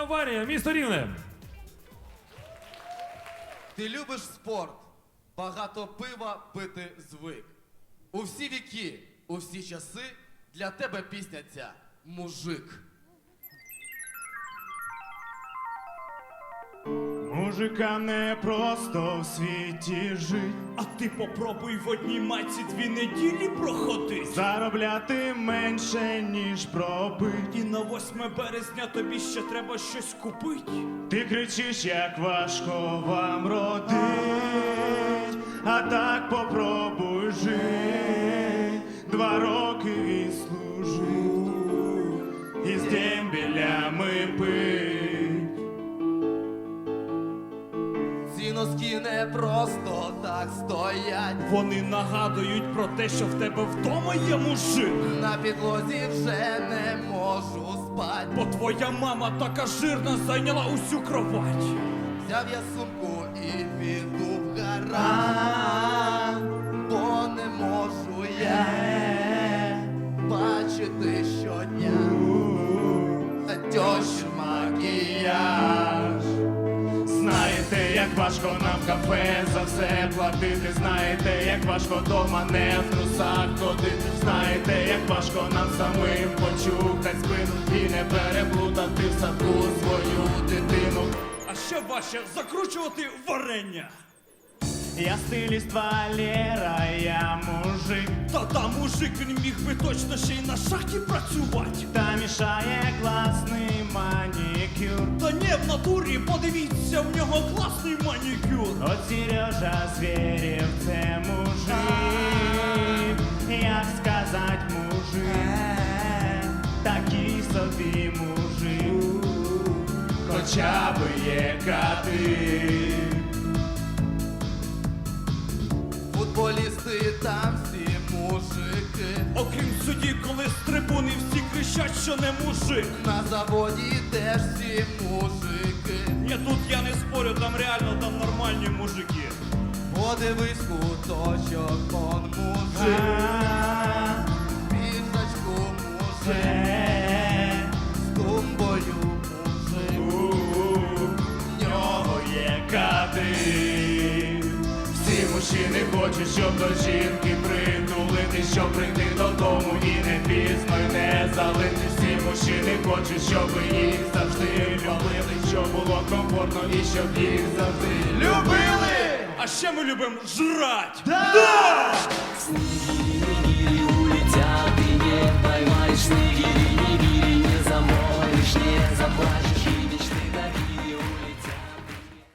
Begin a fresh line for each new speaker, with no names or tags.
Аварія, місто Рівне.
Ти любиш спорт, багато пива пити звик. У всі віки, у всі часи для тебе пісня ця «Мужик».
Мужика не просто в світі жить,
А ти попробуй в одній майці 2 неділі проходить.
заробляти менше, ніж пробить.
І на 8 березня тобі ще треба щось купить.
Ти кричиш, як важко вам родить, а так попробуй жить. 2 роки відслужив, і з дембелями пить.
Ці носки не просто так стоять.
Вони нагадують про те, що в тебе вдома є мужик.
На підлозі вже не можу спать.
Бо твоя мама така жирна зайняла усю кровать.
Взяв я сумку і піду в гараж, бо не можу я бачити щодня тьощин макіяж.
Знаєте, як важко нам в кафе за все платити. Знаєте, як важко дома не в трусах ходити. Знаєте, як важко нам самим почухать спину і не переплутати в садку свою дитину.
А ще важче закручувати варення.
Я стиліст Валера, я мужик.
Та мужик, він міг би точно ще й на шахті працювати.
Та мішає класний манікюр.
Та ні, в натурі, подивіться, в нього класний манікюр.
От Сережа Зверєв, це мужик. Як сказать мужик, такий собі мужик, хоча би є кати.
Футболісти там всі мужики.
Окрім судді, коли з трибуни всі кричать, що не мужик.
На заводі теж всі мужики.
Ні, тут я не спорю, там реально там нормальні мужики.
Подивись куточок, он мужик. Пісочку мужик. З тумбою мужик.
В нього є кати. Всі мужчини хочуть, щоб до жінки притулити, щоб прийти додому і не пізно й не залити. Всі мужчини хочуть, щоб їх завжди любили, щоб було комфортно і щоб їх завжди любили.
А ще ми любимо жрать!
Снегири, улетят, и не поймаешь. Снегири, не замоешь, не заплачешь.